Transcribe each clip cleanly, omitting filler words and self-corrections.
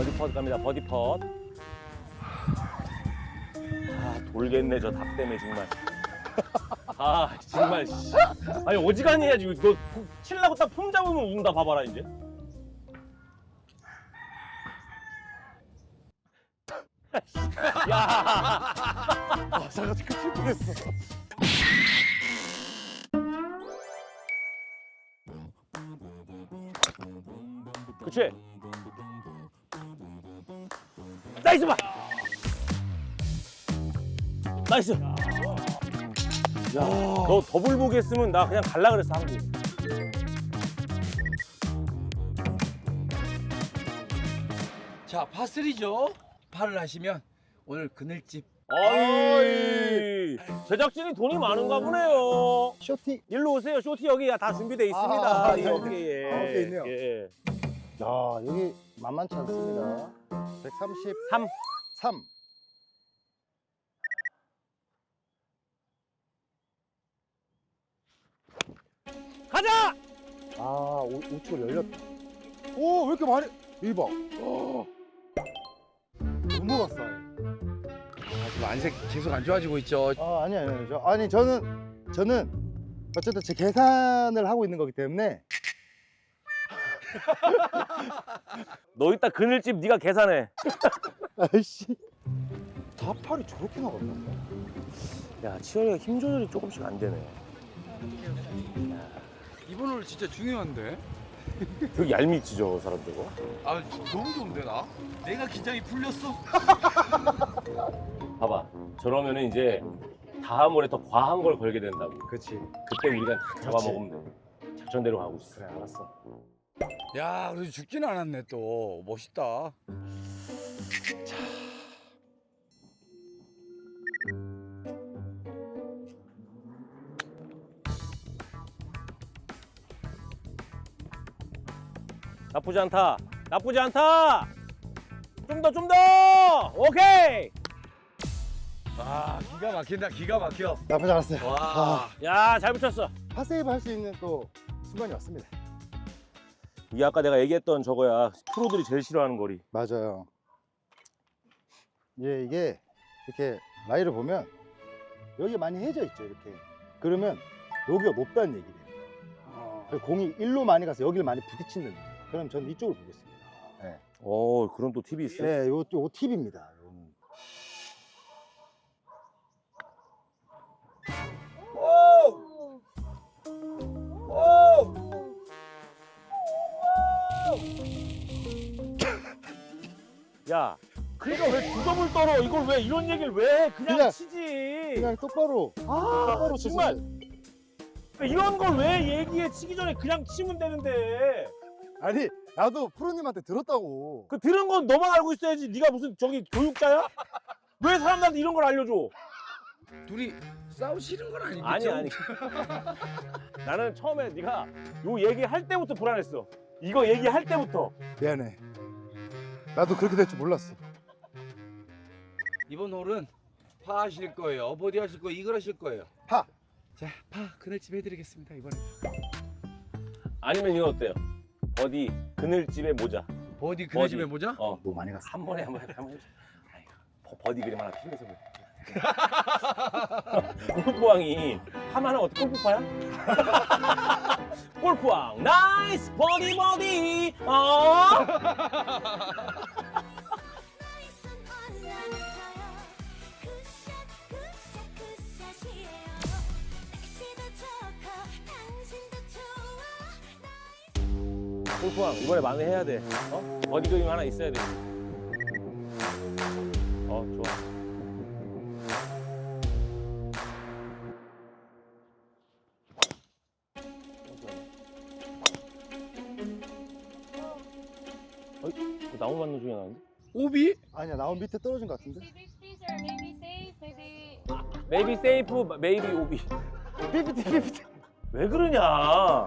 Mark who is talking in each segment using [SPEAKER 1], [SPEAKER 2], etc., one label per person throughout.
[SPEAKER 1] 버디 펫 갑니다. 버디 펫. 아, 돌겠네 저 닭 때문에 정말. 아, 정말. 씨. 아니 어지간히 해야지. 너 칠라고 딱 폼 잡으면 운다. 봐봐라 이제. 야.
[SPEAKER 2] 아 잠깐 큰일 뻔했어.
[SPEAKER 1] 그치? 나이스 봐! 나이스! 야, 너 더블 보기 했으면 나 그냥 갈라 그랬어, 한국.
[SPEAKER 3] 자, 파3죠. 파를 하시면 오늘 그늘집.
[SPEAKER 1] 어이, 제작진이 돈이 많은가 보네요.
[SPEAKER 2] 쇼티.
[SPEAKER 1] 일로 오세요, 쇼티 여기 다 준비돼 있습니다.
[SPEAKER 2] 아,
[SPEAKER 1] 이
[SPEAKER 2] 네.
[SPEAKER 1] 어깨에.
[SPEAKER 2] 아, 어깨에 있네요.
[SPEAKER 1] 예.
[SPEAKER 2] 야 여기 만만치 않습니다. 133.
[SPEAKER 1] 3. 가자!
[SPEAKER 2] 아 우측을 열렸다. 오 왜 이렇게 많이? 대박. 넘어갔어.
[SPEAKER 3] 지금 안색 계속 안 좋아지고 있죠.
[SPEAKER 2] 아 아니 저는 어쨌든 제 계산을 하고 있는 거기 때문에.
[SPEAKER 1] 너 이따 그늘집 네가 계산해.
[SPEAKER 2] 아이씨. 다 팔이 저렇게 나간다고?
[SPEAKER 1] 야, 치열이가 힘 조절이 조금씩 안 되네.
[SPEAKER 3] 이번 홀 진짜 중요한데.
[SPEAKER 1] 되게 얄밉지 저 사람 저거.
[SPEAKER 3] 아, 너무 좋은데 나? 내가 긴장이 풀렸어.
[SPEAKER 1] 봐봐. 저러면은 이제 다음 홀에 더 과한 걸 걸게 된다고.
[SPEAKER 2] 그렇지.
[SPEAKER 1] 그때 우리가 다 잡아먹으면 돼. 작전대로 가고 있어.
[SPEAKER 2] 그래 알았어.
[SPEAKER 3] 야, 그래도 죽지는 않았네 또. 멋있다.
[SPEAKER 1] 나쁘지 않다. 나쁘지 않다. 좀 더. 오케이.
[SPEAKER 3] 아, 기가 막힌다. 기가 막혀.
[SPEAKER 2] 나쁘지 않았어요.
[SPEAKER 3] 와.
[SPEAKER 1] 야, 잘 붙였어.
[SPEAKER 2] 파세이브 할 수 있는 또 순간이 왔습니다.
[SPEAKER 1] 이게 아까 내가 얘기했던 저거야. 프로들이 제일 싫어하는 거리.
[SPEAKER 2] 맞아요. 예, 이게 이렇게 라이를 보면 여기 많이 해져 있죠, 이렇게. 그러면 여기가 높다는 얘기예요. 그리고 공이 일로 많이 가서 여기를 많이 부딪히는. 그럼 저는 이쪽을 보겠습니다. 네,
[SPEAKER 1] 그런 또 팁이 있어.
[SPEAKER 2] 네, 요 팁입니다. 요거는.
[SPEAKER 1] 야, 그러니까 왜 두 점을 떨어? 이걸 왜 이런 얘기를 왜 해? 그냥
[SPEAKER 2] 그냥-
[SPEAKER 1] 치지.
[SPEAKER 2] 그냥 똑바로. 똑바로
[SPEAKER 1] 정말.
[SPEAKER 2] 치세요.
[SPEAKER 1] 이런 걸 왜 얘기해? 치기 전에 그냥 치면 되는데.
[SPEAKER 2] 아니, 나도 프로님한테 들었다고.
[SPEAKER 1] 그 들은 건 너만 알고 있어야지. 네가 무슨 저기 교육자야? 왜 사람들한테 이런 걸 알려줘?
[SPEAKER 3] 둘이 싸우시는 건 아니겠죠?
[SPEAKER 1] 아니. 나는 처음에 네가 요 얘기할 때부터 불안했어. 이거 얘기할 때부터.
[SPEAKER 2] 미안해. 나도 그렇게 될 줄 몰랐어.
[SPEAKER 3] 이번 홀은 파 하실 거예요. 버디 하실 거예요. 이글 하실 거예요.
[SPEAKER 2] 파.
[SPEAKER 3] 자, 파 그늘집 해드리겠습니다 이번에.
[SPEAKER 1] 아니면 이거 어때요? 버디 그늘집에 모자.
[SPEAKER 3] 버디 그늘집에
[SPEAKER 1] 버디.
[SPEAKER 3] 모자?
[SPEAKER 2] 너무 많이 갔어.
[SPEAKER 1] 한 번에 해보자. 아이고, 버디 그림 하나 필요해서 그래. 골프왕이 하면 어떻게 골프파야? 골프왕 나이스 버디 골프왕 이번에 만회해야 돼. 버디 그림 하나 있어야 돼. 좋아. 나무 맞는 중에 나는데?
[SPEAKER 3] 오비?
[SPEAKER 2] 아니야, 나온 밑에 떨어진 것 같은데?
[SPEAKER 4] Maybe freezer, maybe safe, maybe.
[SPEAKER 1] Maybe safe, maybe 오비.
[SPEAKER 2] 삐삐삐삐.
[SPEAKER 1] 왜 그러냐?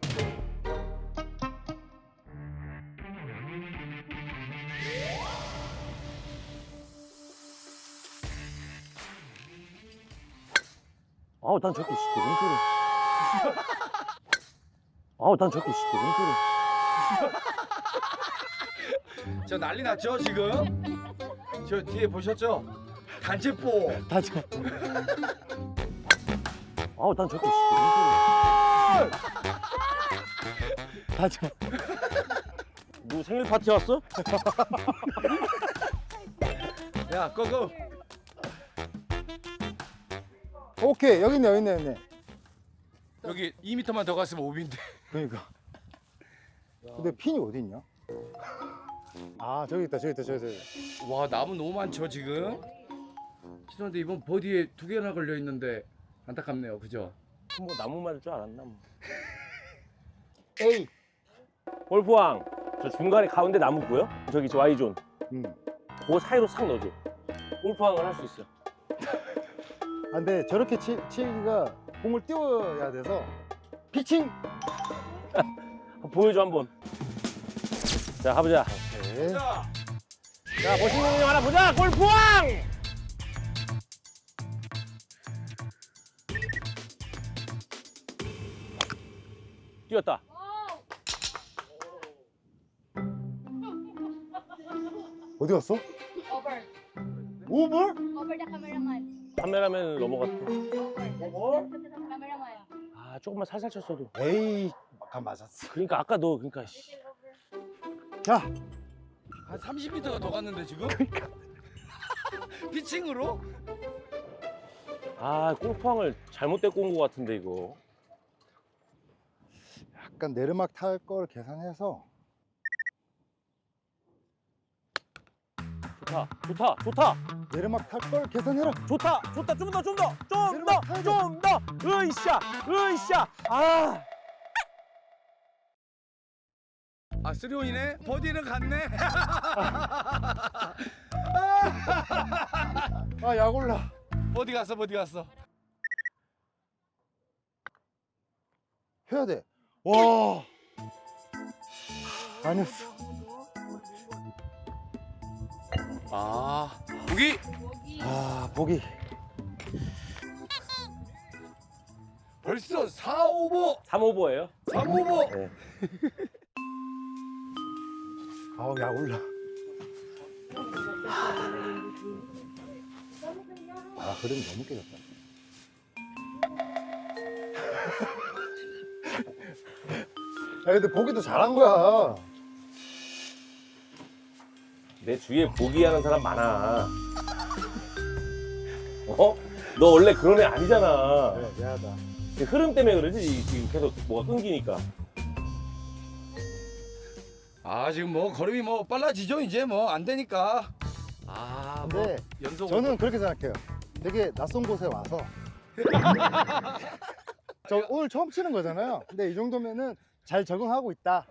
[SPEAKER 1] 난 자꾸 시켜, 뭔 소리. 난 자꾸 시켜, 뭔 소리.
[SPEAKER 3] 저 난리 났죠 지금? 저 뒤에 보셨죠? 단체포.
[SPEAKER 2] 다시.
[SPEAKER 1] 아우 난 저렇게
[SPEAKER 2] 다시.
[SPEAKER 1] 누구 생일 파티 왔어?
[SPEAKER 3] 야 고고.
[SPEAKER 2] 오케이 여기 있네 여기 있네 여기 있네.
[SPEAKER 3] 여기 2m만 더 갔으면 오비인데.
[SPEAKER 2] 그러니까. 근데 핀이 어디 있냐? 아 저기 있다 저기 있다 저기 있다.
[SPEAKER 3] 와 나무 너무 많죠 지금? 죄송한데 이번 버디에 2개나 걸려 있는데 안타깝네요, 그죠?
[SPEAKER 1] 뭐 나무 맞을 줄 알았나 뭐.
[SPEAKER 2] 에이.
[SPEAKER 1] 골프왕 저 중간에 가운데 나무 보여? 저기 저 Y존
[SPEAKER 2] 음.
[SPEAKER 1] 그 사이로 싹 넣어줘. 골프왕을 할 수 있어.
[SPEAKER 2] 아, 근데 저렇게 치기가 공을 띄워야 돼서 피칭.
[SPEAKER 1] 보여줘 한번. 자 가보자.
[SPEAKER 2] 오케이.
[SPEAKER 3] 자,
[SPEAKER 1] 자 멋있는 형 하나 보자. 골프왕. 뛰었다.
[SPEAKER 2] 어디 갔어?
[SPEAKER 4] Over.
[SPEAKER 2] 오볼?
[SPEAKER 4] Over the cameraman.
[SPEAKER 1] 카메라맨을 넘어갔다.
[SPEAKER 4] Over. Cameraman.
[SPEAKER 1] 아 조금만 살살 쳤어도.
[SPEAKER 2] 에이 아까 맞았어.
[SPEAKER 1] 그러니까 아까 너 그러니까 씨.
[SPEAKER 2] 자
[SPEAKER 3] 한 30m가 더 갔는데 지금? 피칭으로?
[SPEAKER 1] 아 골프왕을 잘못 데리고 온 것 같은데 이거.
[SPEAKER 2] 약간 내리막 탈 걸 계산해서.
[SPEAKER 1] 좋다 좋다 좋다
[SPEAKER 2] 내리막 탈 걸 계산해라.
[SPEAKER 1] 좋다 좋다 좀 더 좀 더 좀
[SPEAKER 2] 내려가, 타야 돼.
[SPEAKER 1] 더 좀 더 으이샤 으이샤 아
[SPEAKER 3] 아 3온이네? 버디는 갔네?
[SPEAKER 2] 아 약올라.
[SPEAKER 3] 버디 갔어 버디 갔어.
[SPEAKER 2] 해야 돼. 와. 아니었어.
[SPEAKER 3] 아 보기?
[SPEAKER 2] 아 보기.
[SPEAKER 3] 벌써 4오버
[SPEAKER 1] 3오버예요?
[SPEAKER 3] 3오버
[SPEAKER 1] 네.
[SPEAKER 2] 아우 약올라. 아 흐름이 너무 깨졌다. 야 근데 보기도 잘한 거야.
[SPEAKER 1] 내 주위에 보기하는 사람 많아. 어? 너 원래 그런 애 아니잖아.
[SPEAKER 2] 그래 미안하다.
[SPEAKER 1] 그 흐름 때문에 그러지 지금 계속 뭐가 끊기니까.
[SPEAKER 3] 아 지금 뭐 걸음이 뭐 빨라지죠 이제 뭐 안 되니까. 아 뭐
[SPEAKER 2] 근데
[SPEAKER 3] 연속
[SPEAKER 2] 저는 그렇게 생각해요. 되게 낯선 곳에 와서 저 오늘 처음 치는 거잖아요. 근데 이 정도면은 잘 적응하고 있다.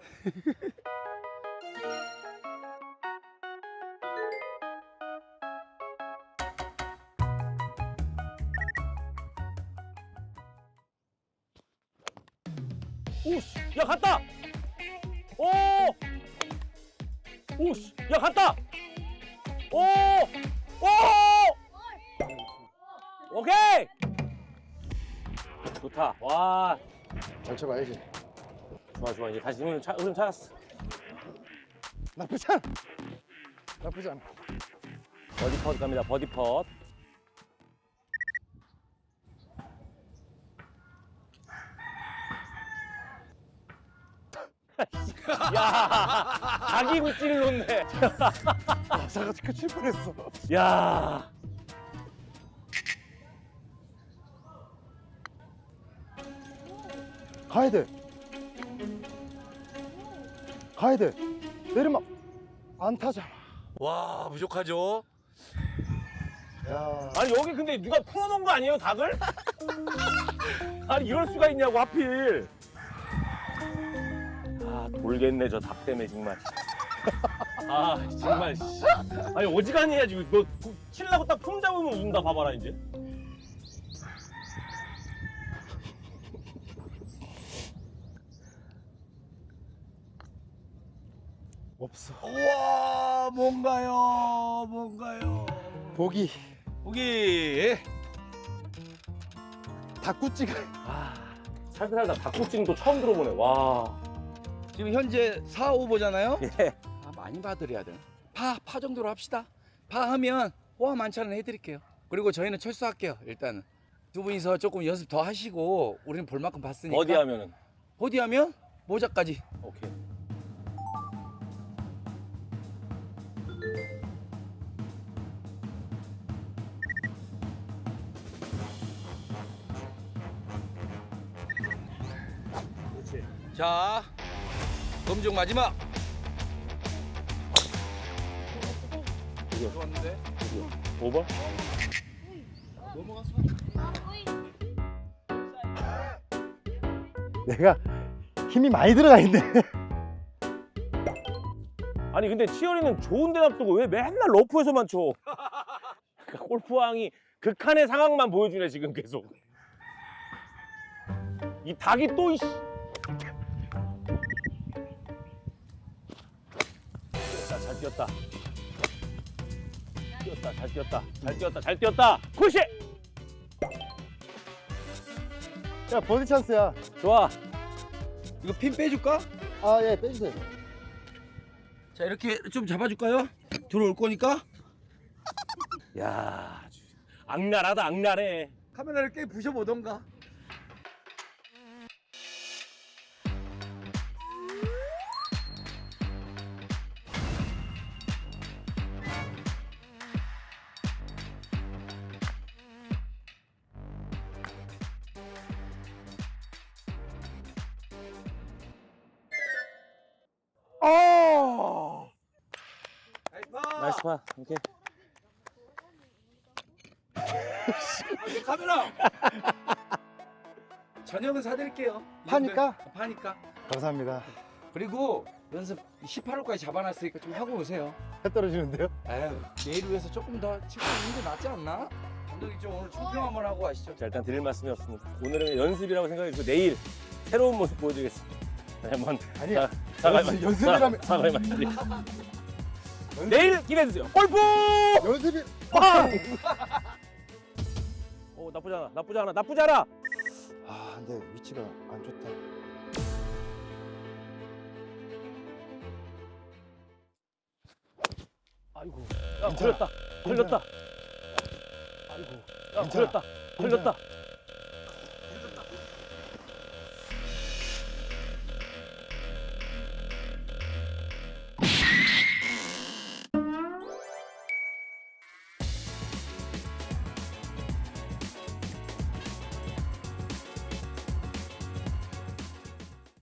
[SPEAKER 1] 오씨, 야 갔다. 오, 오씨, 야 갔다. 오, 오, 오케이. 좋다. 와,
[SPEAKER 2] 잘 쳐봐야지.
[SPEAKER 1] 좋아 좋아 이제 다시 흐름 찾았어.
[SPEAKER 2] 나쁘지 않아. 나쁘지 않아.
[SPEAKER 1] 버디 펫 갑니다. 버디 펫. 야, 자기 굿질을 놓네.
[SPEAKER 2] 아, 사가지고 칠 뻔했어.
[SPEAKER 1] 야,
[SPEAKER 2] 가야 돼. 가야 돼. 내리막 안 타잖아.
[SPEAKER 3] 와 부족하죠.
[SPEAKER 2] 야,
[SPEAKER 1] 아니 여기 근데 누가 풀어놓은 거 아니에요, 닭을? 아니 이럴 수가 있냐고 하필. 아 돌겠네 저 닭 때문에 정말. 아 정말. 씨. 아니 어지간히 해야지. 너 칠라고 딱 폼 잡으면 운다 봐봐라 이제.
[SPEAKER 2] 없어.
[SPEAKER 3] 우와 뭔가요 뭔가요.
[SPEAKER 2] 보기.
[SPEAKER 3] 보기.
[SPEAKER 2] 닭구찌가.
[SPEAKER 1] 아 살다 살다 닭국지는 또 처음 들어보네. 와.
[SPEAKER 3] 지금 현재 4오버잖아요.
[SPEAKER 1] 예.
[SPEAKER 3] 아, 많이 봐드려야 되나? 파 정도로 합시다. 파 하면 호화 만찬은 해드릴게요. 그리고 저희는 철수할게요. 일단은 두 분이서 조금 연습 더 하시고 우리는 볼 만큼 봤으니까.
[SPEAKER 1] 어디 하면은?
[SPEAKER 3] 버디 하면 모자까지.
[SPEAKER 1] 오케이. 그렇지.
[SPEAKER 3] 자, 검증 마지막.
[SPEAKER 1] 이거
[SPEAKER 3] 좋았는데.
[SPEAKER 1] 오버?
[SPEAKER 2] 내가 힘이 많이 들어가 있네.
[SPEAKER 1] 아니 근데 치어리는 좋은 데 놔두고 왜 맨날 러프에서만 쳐? 그러니까 골프왕이 극한의 상황만 보여주네 지금 계속. 이 닭이 또 이씨. 뛰었다, 잘 뛰었다. 뛰었다, 잘 뛰었다. 잘 뛰었다, 잘 뛰었다. 굿이!
[SPEAKER 2] 야, 버디 찬스야.
[SPEAKER 1] 좋아.
[SPEAKER 3] 이거 핀 빼줄까?
[SPEAKER 2] 아, 예, 빼주세요.
[SPEAKER 3] 자, 이렇게 좀 잡아줄까요? 들어올 거니까.
[SPEAKER 1] 야, 악랄하다, 악랄해.
[SPEAKER 3] 카메라를 꽤 부셔보던가.
[SPEAKER 1] 어! 나이스 파. 오케이.
[SPEAKER 3] 카메라. 저녁은 사드릴게요.
[SPEAKER 2] 파니까?
[SPEAKER 3] 파니까.
[SPEAKER 2] 감사합니다.
[SPEAKER 3] 그리고 연습 18호까지 잡아놨으니까 좀 하고 오세요.
[SPEAKER 2] 해 떨어지는데요?
[SPEAKER 3] 에휴, 내일 위해서 조금 더 치고 있는 게 낫지 않나? 감독님 좀 오늘 총평 한번 하고 가시죠.
[SPEAKER 1] 자, 일단 드릴 말씀이 없습니다. 오늘은 연습이라고 생각했고 내일 새로운 모습 보여드리겠습니다. 다시 한번
[SPEAKER 2] 아니야.
[SPEAKER 1] 사과의
[SPEAKER 2] 연습이라면-
[SPEAKER 1] 사과의 말씀. 내일 기대해주세요. 골프!
[SPEAKER 2] 연습이.
[SPEAKER 1] 빵! 오, 나쁘지 않아, 나쁘지 않아, 나쁘지 않아.
[SPEAKER 2] 아, 근데 위치가 안 좋다.
[SPEAKER 1] 아이고, 야, 걸렸다, 걸렸다. 아이고, 야, 걸렸다, 걸렸다.